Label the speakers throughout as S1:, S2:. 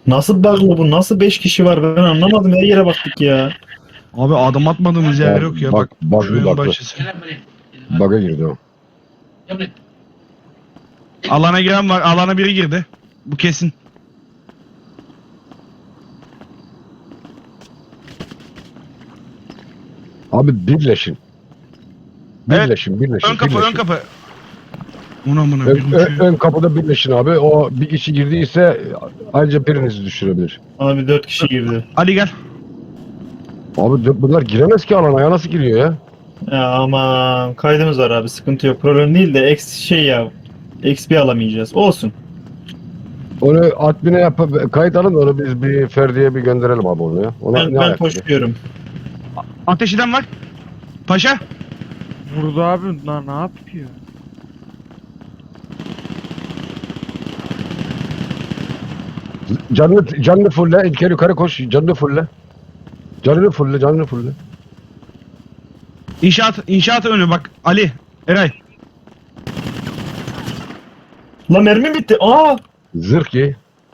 S1: Nasıl bug'lı bu? Nasıl 5 kişi var? Ben anlamadım. Her yere baktık ya.
S2: Abi adım atmadığımız yer yok ya. Bak şu en
S3: Baklı.
S2: başısı.
S3: Bug'a girdi o.
S2: Alana giren var. Alana biri girdi. Bu kesin.
S3: Abi birleşin.
S2: Evet.
S3: Birleşin.
S2: Ön kapı ön
S3: birleşin.
S2: kapı. Buna
S3: Ön,
S2: bir uçuyor.
S3: ön kapıda birleşin abi. O bir kişi girdiyse ayrıca birinizi düşürebilir.
S1: Abi 4 kişi girdi.
S2: Ali gel.
S3: Abi bunlar giremez ki alana ya, nasıl giriyor ya?
S1: Ya aman kaydımız var abi. Sıkıntı yok. Problem değil de şey ya. XP alamayacağız. Olsun.
S3: Onu admine yapıp kayıt alın da onu biz bir Ferdi'ye bir gönderelim abi onu ya. Ona
S1: Ben
S3: ayak?
S1: koşuyorum.
S2: Ateş eden var. Paşa.
S4: Vurdu abi. Lan ne yapıyor?
S3: Canlı fulle. İlker yukarı koş. Canlı fulle. Canlı fulle.
S2: İnşaat önü bak. Ali. Eray.
S1: La mermi bitti. Aa!
S3: Zırh giy.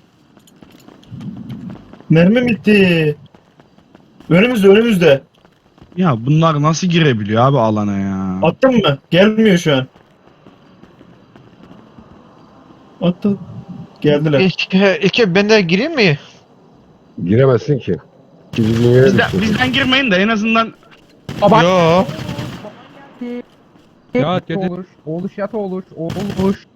S1: Mermi bitti. Önümüzde.
S2: Ya bunlar nasıl girebiliyor abi alana ya?
S1: Attın mı? Gelmiyor şu an. Attı. Geldiler.
S5: İlk ben de gireyim mi?
S3: Giremezsin ki. Gidin yere düşsün.
S2: Bizden girmeyin de en azından
S5: Yo.
S4: Yat olur. Oluş yat olur. Oluş.